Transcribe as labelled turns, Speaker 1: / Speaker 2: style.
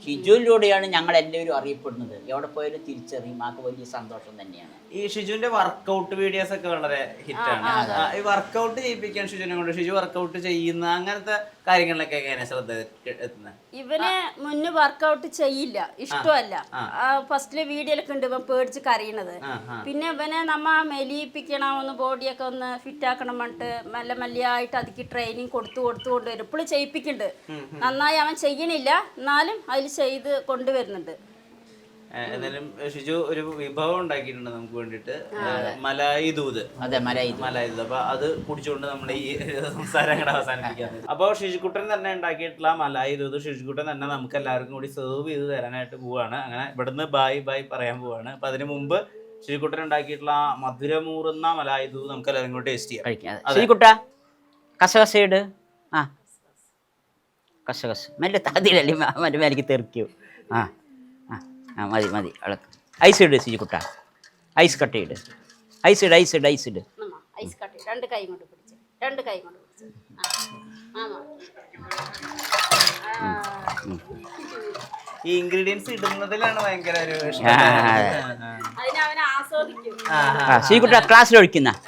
Speaker 1: ഷിജുവിലൂടെയാണ് ഞങ്ങൾ എല്ലാവരും അറിയപ്പെടുന്നത്. എവിടെ പോയാലും തിരിച്ചറിയും. ആൾക്ക് വലിയ സന്തോഷം തന്നെയാണ്.
Speaker 2: ഈ ഷിജുവിന്റെ വർക്കൗട്ട് വീഡിയോസ് ഒക്കെ വളരെ ഹിറ്റാണ്. ഈ വർക്കൗട്ട് ചെയ്യിപ്പിക്കാൻ ഷിജുവിനെ കൊണ്ട് ഷിജു വർക്കൗട്ട് ചെയ്യുന്ന അങ്ങനത്തെ കാര്യങ്ങളിലൊക്കെ എങ്ങനെ ശ്രദ്ധ എത്തുന്നത്?
Speaker 3: ഇവന് മുന്നേ വർക്കൗട്ട് ചെയ്യില്ല, ഇഷ്ടമല്ല. ഫസ്റ്റിലെ വീഡിയോയിലൊക്കെ ഉണ്ട് ഇവൻ പേടിച്ച് കരയണത്. പിന്നെ ഇവനെ നമ്മ മെലിയിപ്പിക്കണം, ഒന്ന് ബോഡിയൊക്കെ ഒന്ന് ഫിറ്റ് ആക്കണം പറഞ്ഞിട്ട് മെല്ലെ മെല്ലിയായിട്ട് അതിക്ക് ട്രെയിനിങ് കൊടുത്തു കൊണ്ടുവരും. ഇപ്പോഴും ചെയ്യിപ്പിക്കുന്നുണ്ട്. നന്നായി അവൻ ചെയ്യണില്ല, എന്നാലും അതിൽ ചെയ്ത് കൊണ്ടുവരുന്നുണ്ട്.
Speaker 2: എന്നാലും ഷിജു ഒരു വിഭവം ഉണ്ടാക്കിയിട്ടുണ്ട് നമുക്ക് വേണ്ടിട്ട്, മലായി ദൂത്.
Speaker 1: അതെ, മലായി
Speaker 2: ദൂത്. അപ്പൊ അത് കുടിച്ചുകൊണ്ട് നമ്മുടെ ഈ സംസാരം കൂടെ അവസാനിപ്പിക്കാൻ. അപ്പോൾ ഷിജുക്കുട്ടൻ തന്നെ ഉണ്ടാക്കിയിട്ടുള്ള മലായി ദൂത് ഷിജുക്കുട്ടൻ തന്നെ നമുക്ക് എല്ലാവർക്കും കൂടി സെർവ് ചെയ്ത് തരാനായിട്ട് പോവാണ്. അങ്ങനെ ഇവിടുന്ന് ബൈ പറയാൻ പോവാണ്. അപ്പൊ അതിന് മുമ്പ് ഷിജുക്കുട്ടൻ ഉണ്ടാക്കിയിട്ടുള്ള മധുരമൂറുന്ന മലായി ദൂത് നമുക്ക് എല്ലാവരും കൂടി ടേസ്റ്റ് ചെയ്യാം.
Speaker 1: ഷിജുക്കുട്ട കസകസയിട്. ആ കസകസ് മെല്ലെ താതിലല്ലേ മറ്റേ മേലേക്ക് തെറിക്കൂ. ആ മതി അളക്ക്. ഐസ് ഇട് ഷിജുക്കുട്ട, ഐസ് കട്ട് ചെയ്ത്. ഐസ് ഇട്.
Speaker 3: ഐസ് കട്ട് രണ്ട് കൈ കൊണ്ട് പിടിച്ച്.
Speaker 2: ഈ ഇൻഗ്രീഡിയൻസ് ഇടുന്നതിലാണ് ഭയങ്കര ഒരു
Speaker 1: ഷിജുക്കുട്ട ക്ലാസ്സിൽ ഒഴിക്കുന്ന